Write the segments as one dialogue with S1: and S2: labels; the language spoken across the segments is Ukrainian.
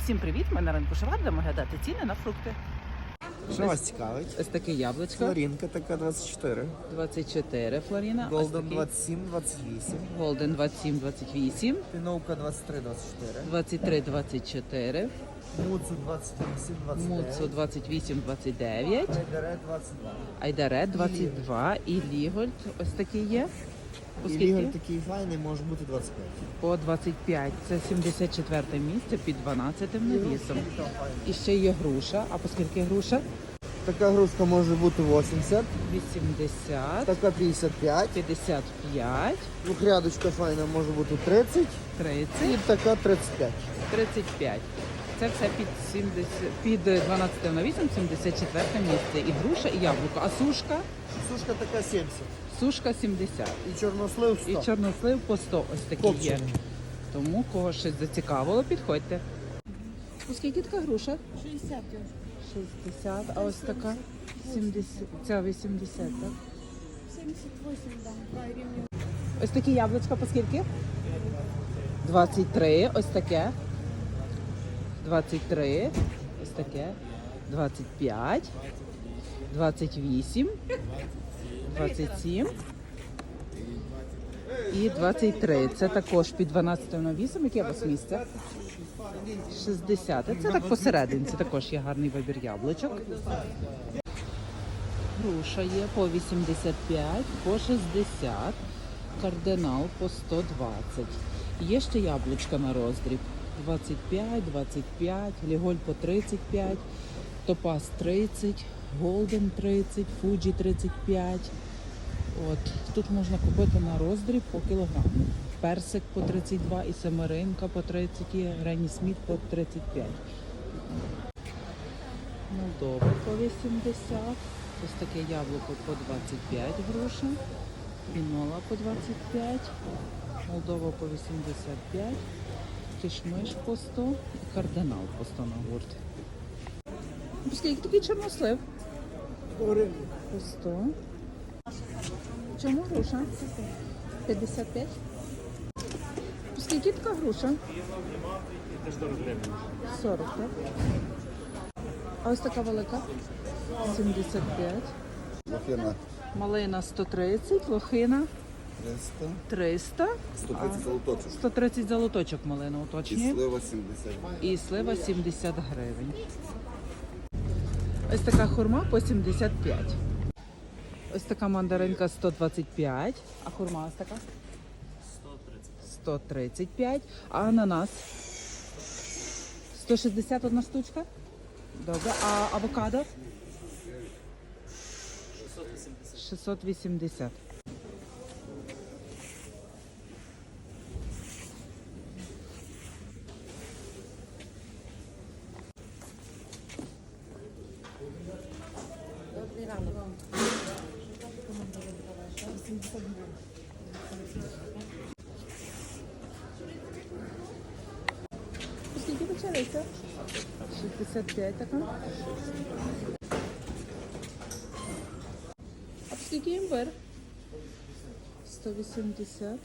S1: Всім привіт! Ми на ринку Шовар, будемо глядати ціни на фрукти.
S2: Що вас цікавить?
S1: Ось таке яблучко.
S2: Флорінка така 24.
S1: 24 флоріна.
S2: Голден 27, 28.
S1: Голден 27, 28.
S2: Піновка 23, 24.
S1: 23, 24.
S2: Муцу 28, 29.
S1: Муцу 28, 29.
S2: Айдаре 22.
S1: Айдаре 22. І Лігольд ось такий є. По
S2: І
S1: скільки?
S2: лігор такий файний, може бути 25.
S1: По 25. Це 74 місце під 12 навісом. І ще є груша. А по скільки груша?
S2: Така грушка може бути 80,
S1: 80,
S2: така 55.
S1: 55,
S2: Двохрядочка файна може бути 30
S1: 30.
S2: і така 35.
S1: 35. Це все під 12 навісом, 74 місце. І груша, і яблуко. А сушка?
S2: Сушка така 70.
S1: Сушка 70.
S2: І чорнослив 100.
S1: І чорнослив по 100 ось такі є.
S2: Копчений.
S1: Тому кого щось зацікавило, підходьте. Скільки така груша?
S3: 60.
S1: 60, а ось така 70, ця 80, так?
S3: 78 дам, гривень.
S1: Ось такі яблучка по скільки? 23, ось таке. 23, ось таке. 25, 28, 27 і 23. Це також під 12 навісом. Яке у вас місце? 60. Це так посередині. Це також є гарний вибір яблучок. Груша є по 85, по 60. Кардинал по 120. Є ще яблучка на роздріб. 25, 25, Ліголь по 35, Топаз 30, Голден 30, Фуджі 35. От. Тут можна купити на роздріб по кілограму. Персик по 32 і семеринка по 30, і Гренні Сміт по 35. Молдова по 80. Ось таке яблуко по 25 грошей. Пінола по 25. Молдова по 85. Кишмиш по 100 і кардинал по 100 на гурт. Скільки такий чорнослив? По 100. Чому груша? 55. Скільки така груша? 40, так? А ось така велика? 75.
S2: Лохина
S1: Малина 130, лохина
S2: 300.
S1: 300.
S2: 130 золоточок.
S1: 130 золоточок малина
S2: І
S1: уточнює.
S2: слива 70.
S1: І слива 70 гривень. Ось така хурма по 75. Ось така мандаринка 125. А хурма ось така? 135. А ананас? 161 штучка? Добре. А авокадо? 680. Скільки почалися? 65 така. А скільки імбир? 180.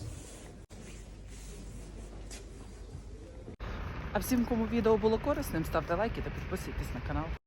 S1: А всім, кому відео було корисним, ставте лайки та підписуйтесь на канал.